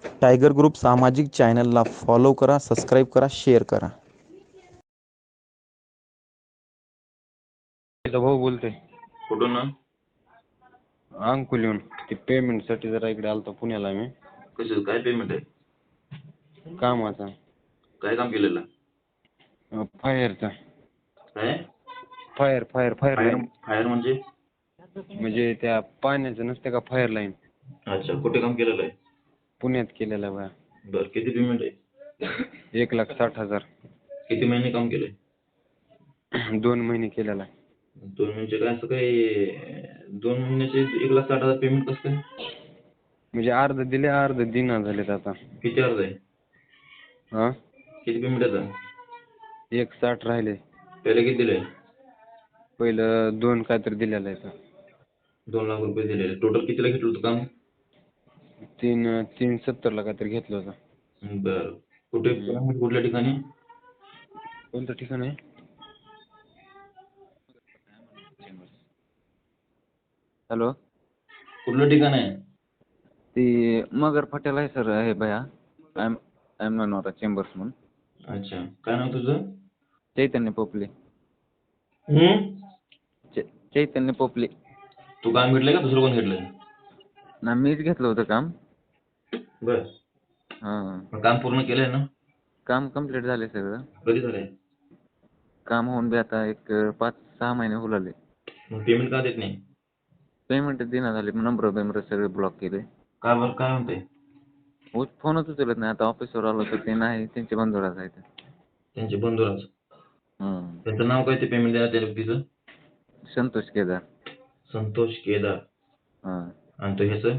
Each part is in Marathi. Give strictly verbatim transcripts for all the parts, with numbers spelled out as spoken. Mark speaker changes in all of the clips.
Speaker 1: टायगर ग्रुप सामाजिक चॅनलला फॉलो करा, सबस्क्राईब करा, शेअर करा.
Speaker 2: भाऊ बोलतोय.
Speaker 3: कुठून ना?
Speaker 2: अंकुलीहून. ते पेमेंटसाठी जरा इकडे आलतो पुण्याला मी.
Speaker 3: कसं काय पेमेंट आहे?
Speaker 2: कामाचा.
Speaker 3: काय काम केलेलं?
Speaker 2: फायरचा.
Speaker 3: काय?
Speaker 2: Fire fire fire
Speaker 3: fire
Speaker 2: line.
Speaker 3: Fire म्हणजे?
Speaker 2: म्हणजे त्या पाण्याचं नसते का फायर लाईन.
Speaker 3: अच्छा, कुठे काम केलेलं आहे?
Speaker 2: पुण्यात केलेलं आहे बा.
Speaker 3: बरं, किती पेमेंट आहे?
Speaker 2: एक लाख साठ हजार.
Speaker 3: किती महिने काम केले?
Speaker 2: दोन महिने केलेला आहे.
Speaker 3: दोन महिन्याचे काय असं काही दोन महिन्याचे एक लाख साठ हजार पेमेंट कसं काय?
Speaker 2: म्हणजे अर्ध दिले अर्ध दिना झालेत आता.
Speaker 3: किती अर्ज आहे?
Speaker 2: हा
Speaker 3: किती पेमेंट येतं?
Speaker 2: एक साठ राहिले.
Speaker 3: पहिले किती दिले?
Speaker 2: पहिलं दोन काहीतरी दिलेलं आहे.
Speaker 3: दोन लाख रुपये दिलेले. टोटल कितीला घेतलं होतं काम?
Speaker 2: तीन तीन सत्तरला काहीतरी घेतलं होतं.
Speaker 3: बरं, कुठे कुठल्या ठिकाणी?
Speaker 2: कोणतं ठिकाण आहे? हॅलो,
Speaker 3: कुठलं ठिकाण आहे?
Speaker 2: ती मगर फाट्याला आहे सर. आहे भया एम एम मनोरा चेंबर्स म्हणून.
Speaker 3: अच्छा, काय नाव तुझं?
Speaker 2: चैतन्य पोपले.
Speaker 3: हम्म
Speaker 2: चैतन्य पोपले.
Speaker 3: तू काम घेतलंय का दुसरं कोण घेतलंय?
Speaker 2: ना मीच घेतलं होतं काम.
Speaker 3: बर,
Speaker 2: हां,
Speaker 3: काम पूर्ण केलंय ना?
Speaker 2: काम कंप्लीट झाले सगळं.
Speaker 3: कधी झालंय?
Speaker 2: काम होऊन बी आता एक पाच सहा महिने हुलाले.
Speaker 3: मग पेमेंट का देत नाही?
Speaker 2: पेमेंट देना झाले. नंबर बेंबर सगळे ब्लॉक केले.
Speaker 3: का बरं, काय म्हणते?
Speaker 2: हो, फोनच उचलत नाही. आता ऑफिसवर आलो तर ते नाही, त्यांचे बंधुराज आहेत.
Speaker 3: त्यांचे बंधुराज?
Speaker 2: हं.
Speaker 3: त्यांचं नाव काय ते पेमेंट द्यायला त्या व्यक्तीचं?
Speaker 2: संतोष केदार.
Speaker 3: संतोष केदार.
Speaker 2: हां.
Speaker 3: आणि तो ह्याचं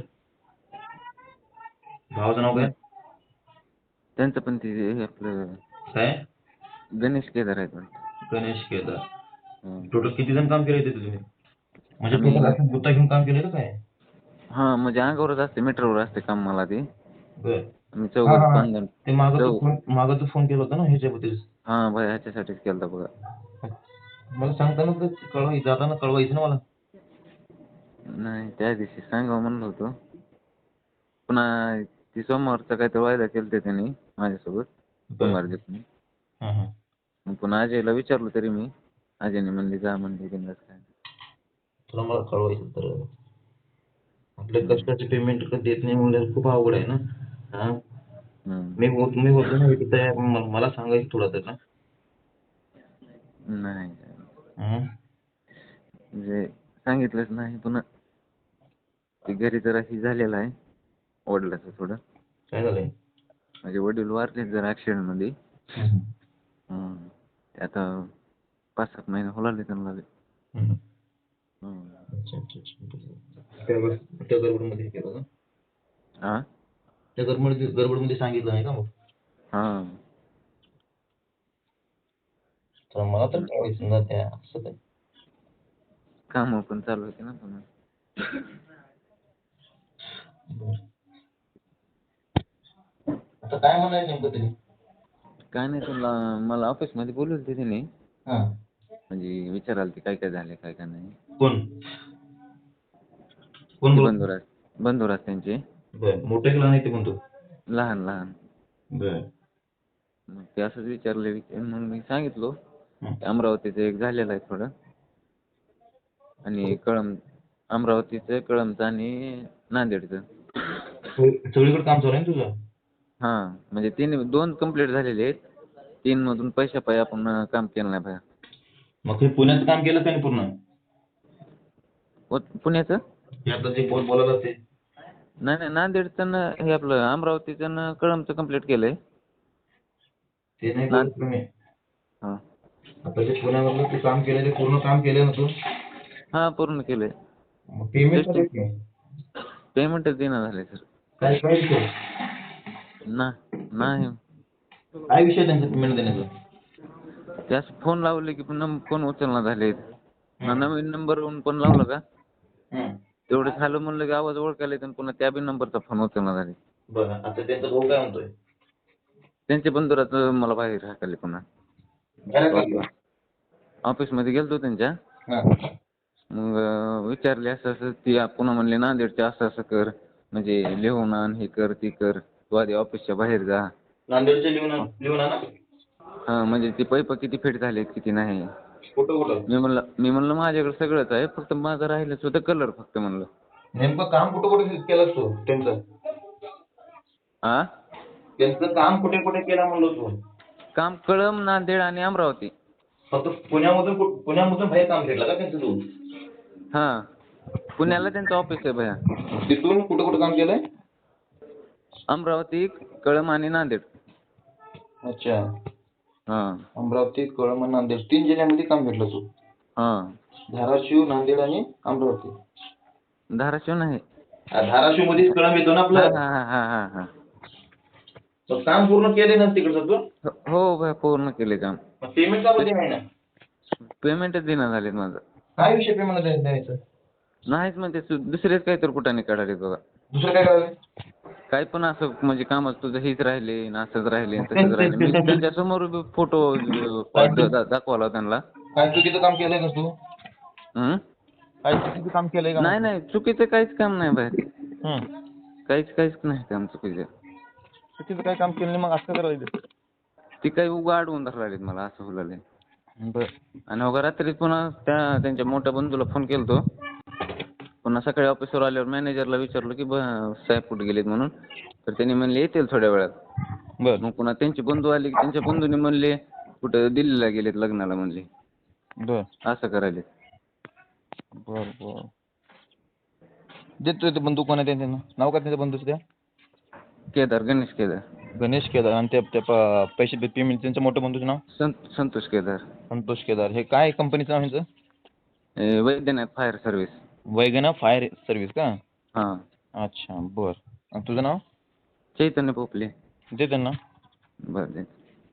Speaker 3: भावाचं नाव काय?
Speaker 2: त्यांचं पण ते हे आपलं
Speaker 3: काय?
Speaker 2: गणेश केदार आहेत वाटतं.
Speaker 3: गणेश केदार.
Speaker 2: हं.
Speaker 3: टोटल किती जण काम केले तिथे तुम्ही? म्हणजे
Speaker 2: आम्ही
Speaker 3: टोटल असं गुत्ता घेऊन काम केलं का काय?
Speaker 2: हां, म्हणजे अंगावरच असते, मीटरवर असते काम मला ते.
Speaker 3: बर,
Speaker 2: आम्ही चौघं पाच जण.
Speaker 3: ते मागं तू
Speaker 2: चौ
Speaker 3: फोन मागं तू फोन केला होता ना ह्याच्याबद्दल?
Speaker 2: हां, भाई ह्याच्यासाठीच केलता बघा.
Speaker 3: मला सांगताना तर कळवाय जाताना कळवायचं ना मला.
Speaker 2: नाही, त्या दिवशी सांगावं म्हणलं होतं. पुन्हा ती सोमवारचा काहीतरी वायदा केलते त्यांनी माझ्यासोबत, सोमवार दिवशी.
Speaker 3: हां हां.
Speaker 2: मग पुन्हा अजयला विचारलं तरी मी. अजयने म्हणली जा म्हणली बिनधास्त काय.
Speaker 3: तुला मला कळवायचं तर आपल्या कष्टाचे पेमेंट देत नाही म्हणजे खूप अवघड आहे ना. हां,
Speaker 2: हं.
Speaker 3: मी होत मी होतो ना इथे तयार, म- मला सांगायचं थोडं तर ना.
Speaker 2: नाही,
Speaker 3: हं?
Speaker 2: म्हणजे सांगितलंच नाही. पुन्हा ते घरी जरा ही झालेलं आहे वडिलाचं थोडं.
Speaker 3: काय झालंय?
Speaker 2: माझे वडील वारले जरा ॲक्सिडेंटमध्ये.
Speaker 3: हं.
Speaker 2: हं. ते आता पाच सात महिने होलाले त्यांना बी.
Speaker 3: हं.
Speaker 2: हं.
Speaker 3: अच्छा अच्छा अच्छा. त्या बस त्या गडबडमध्ये हे केलं का?
Speaker 2: हां?
Speaker 3: त्या गडबडमध्ये गडबडमध्ये सांगितलं नाही का मग?
Speaker 2: हां.
Speaker 3: तर मला तर कळवायचं ना त्या असं काय.
Speaker 2: कामं पण चालू होती ना पुन्हा.
Speaker 3: बरं. आता काय म्हणायचं नेमकं तरी?
Speaker 2: काय नाही, तुला मला ऑफिसमध्ये बोलवलं होते त्यांनी.
Speaker 3: हां.
Speaker 2: म्हणजे विचारायला ते काय काय झाले काय काय नाही.
Speaker 3: कोण? कोण
Speaker 2: ते
Speaker 3: बोलत?
Speaker 2: बंधुराज बंधुराज त्यांचे.
Speaker 3: बरं, मोठे की लहान आहे ते म्हणतो?
Speaker 2: लहान लहान.
Speaker 3: बरं.
Speaker 2: मग ते असंच विचारले विचार मग मी सांगितलो.
Speaker 3: हं.
Speaker 2: अमरावतीचं एक झालेलं आहे थोडं. आणि कळम अमरावतीचं, कळमचं आणि नांदेडचं.
Speaker 3: सगळीकडे काम चालू आहे ना तुझं?
Speaker 2: हां, म्हणजे तीन दोन कंप्लीट झालेले आहेत. तीन मधून पैशापायी आपण काम केलं नाही बाहेर.
Speaker 3: मग ते पुण्याचं काम केलं का नाही पूर्ण?
Speaker 2: व पुण्याचं?
Speaker 3: ते आता जे बोल बोलायला ते.
Speaker 2: नाही नाही, नांदेडचं न हे आपलं अमरावतीचं न कळमचं कंप्लीट केलंय.
Speaker 3: ते नाही
Speaker 2: ना
Speaker 3: बोलत तुम्ही.
Speaker 2: हां.
Speaker 3: आता जे पुण्यामधलं ते काम केलं ते पूर्ण काम केलं ना तू?
Speaker 2: हां, पूर्ण केलंय.
Speaker 3: मग पेमेंट
Speaker 2: टेस्टिंग
Speaker 3: कधी?
Speaker 2: पेमेंटच देणं झालंय सर.
Speaker 3: काय काय विषय?
Speaker 2: ना नाही.
Speaker 3: काय विषय त्यांचा पेमेंट देण्याचा?
Speaker 2: त्यास फोन लावले की पुन्हा फोन उचलना झालेत. ना नवीन नंबरवरून पण लावलं का
Speaker 3: हं.
Speaker 2: तेवढं झालं म्हणलं की आवाज ओळखायला येतो, पुन्हा त्या बी नंबरचा फोन उचलना झाले.
Speaker 3: बरं, आता त्यांचा भाऊ काय म्हणतोय?
Speaker 2: त्यांचे बंधुराचं मला बाहेर हाकलले पुन्हा.
Speaker 3: घरात लागला?
Speaker 2: ऑफिसमध्ये गेलतो त्यांच्या.
Speaker 3: हां.
Speaker 2: मग अं, विचारले असं असं ती पुन्हा म्हणले नांदेडचे असं असं कर, म्हणजे लिहून आण, हे कर ती कर. तू आधी ऑफिसच्या बाहेर जा.
Speaker 3: नांदेडचे लिहून आण- लिहून आणा.
Speaker 2: हा म्हणजे ते पैप किती फिट झाले किती नाही.
Speaker 3: कुठं कुठं
Speaker 2: मी म्हणलं मी म्हणलं माझ्याकडे सगळंच आहे फक्त माझं राहिलंच होतं कलर फक्त म्हणलं.
Speaker 3: नेमकं काम कुठं कुठे केलंस तू त्यांचं
Speaker 2: हा
Speaker 3: त्यांचं काम कुठे कुठे केलं म्हणलो तू.
Speaker 2: काम कळम नांदेड आणि अमरावती.
Speaker 3: फक्त पुण्यामधून कुठ- पुण्यामधून बाहेर काम केलं का त्यांचं तू.
Speaker 2: हा पुण्याला त्यांचं ऑफिस आहे भैया.
Speaker 3: तिथून कुठं कुठं काम केलंय.
Speaker 2: अमरावती कळम आणि नांदेड.
Speaker 3: अच्छा.
Speaker 2: हा
Speaker 3: अमरावती कळम आणि नांदेड तीन जिल्ह्यामध्ये काम भेटलं तू.
Speaker 2: हा
Speaker 3: धाराशिव नांदेड आणि अमरावती.
Speaker 2: धाराशिव नाही.
Speaker 3: धाराशिव मध्येच कळम येतो ना
Speaker 2: हा
Speaker 3: आपलं.
Speaker 2: हा हा हा हा
Speaker 3: मग काम पूर्ण केले ना तिकडचं तू.
Speaker 2: हो- हो भैया पूर्ण केले काम.
Speaker 3: पेमेंट का बरं आहे ना.
Speaker 2: पेमेंटच देणं झालेत माझं.
Speaker 3: काय विषय पेमेंट द्यायचं.
Speaker 2: नाहीच म्हणते सु- दुसरेच काहीतरी कुठाने काढाले बघा.
Speaker 3: दुसरं काय करायचं.
Speaker 2: काय पण असं म्हणजे कामच तुझं हेच राहिले न असंच राहिले न तसंच राहिले. मी त्यांच्या समोर फोटो दाखवला त्यांना.
Speaker 3: काय चुकीचं काम केलंय का तू.
Speaker 2: हं?
Speaker 3: काय चुकीचं काम केलंय का.
Speaker 2: नाही नाही चुकीचं काहीच काम नाही बाहेर.
Speaker 3: हं.
Speaker 2: काहीच काहीच नाही काम चुकीचं.
Speaker 3: चुकीचं काय काम केलं नाही मग असं करायचं.
Speaker 2: ती काही उगा अडवून धरले मला असं हुलाले.
Speaker 3: बरं.
Speaker 2: आणि उगा रात्री पुन्हा त्या त्यांच्या मोठ्या बंधूला फोन केलतो. पुन्हा सकाळी ऑफिसवर आल्यावर मॅनेजरला विचारलं की ब साहेब कुठे गेलेत म्हणून. तर त्यांनी म्हणले येतील थोड्या वेळात.
Speaker 3: बरं.
Speaker 2: मग पुन्हा त्यांचे बंधू आले की त्यांच्या बंधूने म्हणले कुठं दिल्लीला गेलेत लग्नाला म्हणले.
Speaker 3: बरं.
Speaker 2: असं करायले.
Speaker 3: बरं बरं. देतो ते बंधू कोण आहे त्यांचं नाव काय त्यांच्या बंधूचं त्या.
Speaker 2: केदार गणेश केदार.
Speaker 3: गणेश केदार आणि त्या त्या प- पैसे पेमेंट त्यांचं मोठं बंधूचं नाव.
Speaker 2: संत संतोष केदार.
Speaker 3: संतोष केदार. हे काय कंपनीचं नाव ह्यांचं.
Speaker 2: ए, वैद्यनाथ फायर सर्व्हिस.
Speaker 3: वैगना फायर सर्व्हिस का.
Speaker 2: हां
Speaker 3: अच्छा बरं. आणि तुझं नाव.
Speaker 2: चैतन्य पोपले.
Speaker 3: दे त्यांना.
Speaker 2: बरं दे.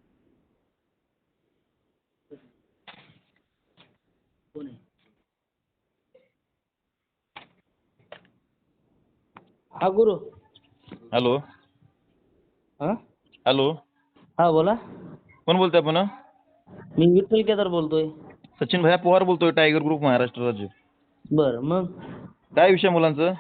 Speaker 4: हा गुरु.
Speaker 3: हॅलो.
Speaker 4: हा
Speaker 3: हॅलो.
Speaker 4: हा बोला.
Speaker 3: कोण बोलतोय आपण.
Speaker 4: मी विठ्ठल केदार बोलतोय.
Speaker 3: सचिन भैया पवार बोलतोय टायगर ग्रुप महाराष्ट्र राज्य.
Speaker 4: बर मग
Speaker 3: काय विषय मुलांचं.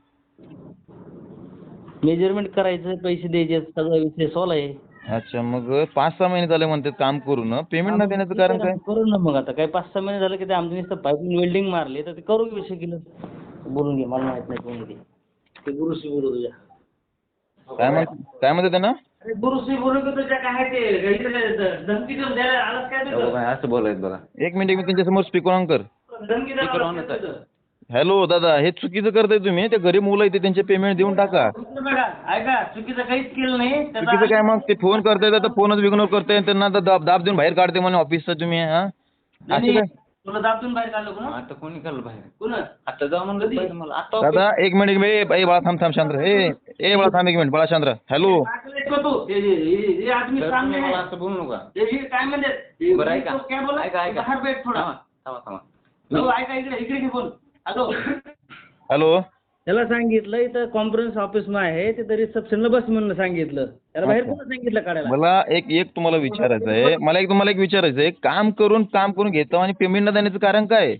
Speaker 4: मेजरमेंट करायचं पैसे द्यायचे सगळा विषय सॉल्व आहे.
Speaker 3: अच्छा मग पाच सहा महिने झाले म्हणतात काम करून पेमेंट न देण्याचं कारण काय.
Speaker 4: करू ना मग आता काय पाच सहा महिने झालं की ते आमच्या नुसतं पाईपिंग वेल्डिंग मारले तर ते करू विषय केलं. बोलून घे मला माहित नाही कोणी ते. ते गुरुश्री बोलू तुझ्या.
Speaker 3: काय म्हण काय म्हणते त्यांना.
Speaker 4: अरे गुरुश्री बोलू की तुझ्या काय ते इकडे धमकी देऊन द्यायला आलाच काय
Speaker 2: हो
Speaker 4: तुझं?
Speaker 2: बाई, असं बोलायचं बघा.
Speaker 3: एक मिनिट एक मिनिट त्यांच्यासमोर स्पीकर ऑन कर.
Speaker 4: धमकी द्यायला
Speaker 2: Speaker
Speaker 4: आलाच
Speaker 2: on
Speaker 4: काय
Speaker 2: च आहे.
Speaker 4: तुझं?
Speaker 3: हॅलो दादा हे चुकीचं करताय तुम्ही. ते गरीब मुलं आहेत त्यांचे पेमेंट देऊन टाका.
Speaker 4: तुमचं बघा ऐका चुकीचं काहीच केलं नाही. त्याचा
Speaker 3: चुकीचं काय मग ते फोन करताय तर फोनच इग्नोर करताय त्यांना तर दाब दाब देऊन बाहेर काढते म्हणे ऑफिसचा तुम्ही. हा असं
Speaker 4: नाही,
Speaker 3: काय.
Speaker 4: तुला दाबून बाहेर काढलं कोण
Speaker 2: आता कोणी काढलं बाहेर.
Speaker 4: कोण
Speaker 2: आता जाऊ म्हणलं पाहिजे मला. आता
Speaker 3: दादा एक मिनिट एक मिनिट ए बाळा थांब थांब शांत ए ए बाळा थांब एक मिनिट बाळा शांत हॅलो.
Speaker 4: तू ये- ये- ये- ये आदमी
Speaker 2: तर
Speaker 4: सामने
Speaker 2: तुम्ही
Speaker 4: है.
Speaker 2: मला असं बोलू नका.
Speaker 4: ये- ये काय म्हणते ये-
Speaker 2: बरं
Speaker 4: ये
Speaker 2: ऐका
Speaker 4: तो क्या बोला
Speaker 2: ऐका ऐका
Speaker 4: बाहेर बैठ थोडा.
Speaker 2: थांबा थांबा थांबा.
Speaker 4: हो, ऐका इकडे इकडे घे बोल. Hello
Speaker 3: hello.
Speaker 4: त्याला सांगितलं इथं कॉन्फरन्स ऑफिस मध्ये आहे तिथं रिसेप्शनला बस म्हणून सांगितलं. त्याला बाहेर
Speaker 3: अच्छा.
Speaker 4: कोण सांगितलं काढायला.
Speaker 3: मला एक एक तुम्हाला विचारायचं आहे. मला एक तुम्हाला एक विचारायचं आहे. काम करून काम करून घेतो आणि पेमेंट न देण्याचं कारण काय.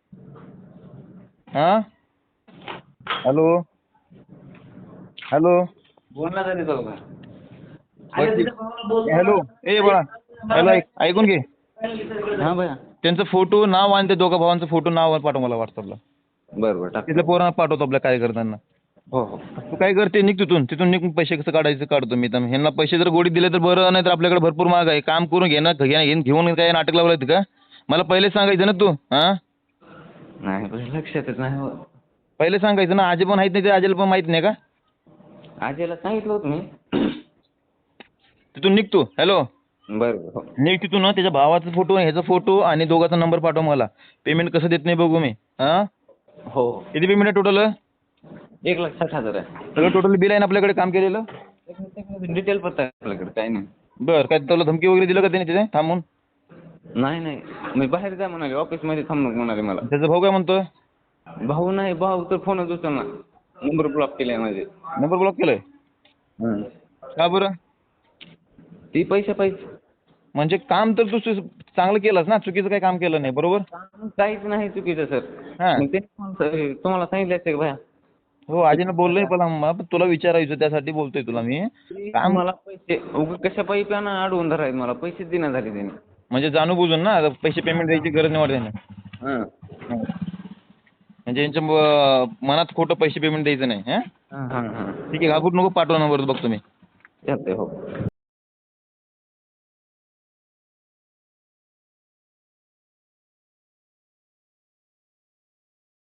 Speaker 3: हा हॅलो हॅलो.
Speaker 2: बोलला तरी जाऊ का.
Speaker 4: अरे तिथं भावाला बोल.
Speaker 3: हॅलो ए बाळा हॅलो ऐक ऐकून घे.
Speaker 2: हा भैया.
Speaker 3: त्यांचं फोटो नाव आणि ते दोघा भावांचं फोटो नाव पाठव मला व्हॉट्सअपला.
Speaker 2: बरं बरं टाक.
Speaker 3: तिथल्या पोरांना पाठवतो आपल्या कार्यकर्त्यांना.
Speaker 2: हो हो.
Speaker 3: तू काय करते निघ तिथून तिथून निघून पैसे कसं काढायचं काढतो मी. तर ह्यांना पैसे जर गोडी दिले तर बरं नाही तर आपल्याकडे भरपूर महाग आहे. काम करून घेणं घेणं घेऊन काय नाटक लावलं का. मला पहिले सांगायचं ना तू. हा
Speaker 2: नाही भैया, लक्षातच नाही हो.
Speaker 3: पहिले सांगायचं ना. आजी पण माहित नाही ते आजीला पण माहित नाही का.
Speaker 2: आजीला सांगितलं होतं मी.
Speaker 3: तिथून निघ तू. हॅलो
Speaker 2: बरं बरं हो.
Speaker 3: निघ तिथून ना. त्याच्या भावाचा फोटो ह्याचा फोटो आणि दोघांचा नंबर पाठव मला. पेमेंट कसं देत नाही बघू मी. हा
Speaker 2: हो हो.
Speaker 3: किती पेमेंट आहे टोटल.
Speaker 2: एक लाख साठ हजार आहे.
Speaker 3: सगळं टोटल बिल आहे ना आपल्याकडे काम केलेलं.
Speaker 2: डिटेल पत्ता आहे आपल्याकडे काही नाही.
Speaker 3: बरं काय तुला धमकी वगैरे दिलं का त्याने तिथे थांबून.
Speaker 2: नाही नाही मी बाहेर जा म्हणाले ऑफिसमध्ये थांब नको म्हणाले मला.
Speaker 3: त्याचा भाऊ काय म्हणतोय.
Speaker 2: भाऊ नाही भाऊ तर फोनच उचलला. नंबर ब्लॉक केलाय माझे.
Speaker 3: नंबर ब्लॉक केलाय.
Speaker 2: हं.
Speaker 3: का बरं.
Speaker 2: ती पैसे पाहिजे.
Speaker 3: म्हणजे काम तर तू सु- चांगलं केलंस ना. चुकीचं काही काम केलं नाही बरोबर.
Speaker 2: काहीच नाही चुकीचं सर.
Speaker 3: हा
Speaker 2: मग ते तुम्हाला सांगितलं असतं का भैया.
Speaker 3: हो आजीनं बोललोय पण आम्हा- पण तुला विचारायचं त्यासाठी बोलतोय तुला मी. काम
Speaker 2: मला पैसे उगा कशा पायी प्यानं अडवून धरायचं मला पैसेच देण्यात झाले त्याने.
Speaker 3: म्हणजे जाणून बुजून ना आता पैसे पेमेंट द्यायची गरज नाही वाटत त्यांना.
Speaker 2: हां
Speaker 3: म्हणजे यांच्या म- मनात खोटं पैसे पेमेंट द्यायचं नाही. हां
Speaker 2: हां हां हां
Speaker 3: ठीक आहे घाबरू नको पाठवा नंबर बघतो मी.
Speaker 2: चालतंय हो.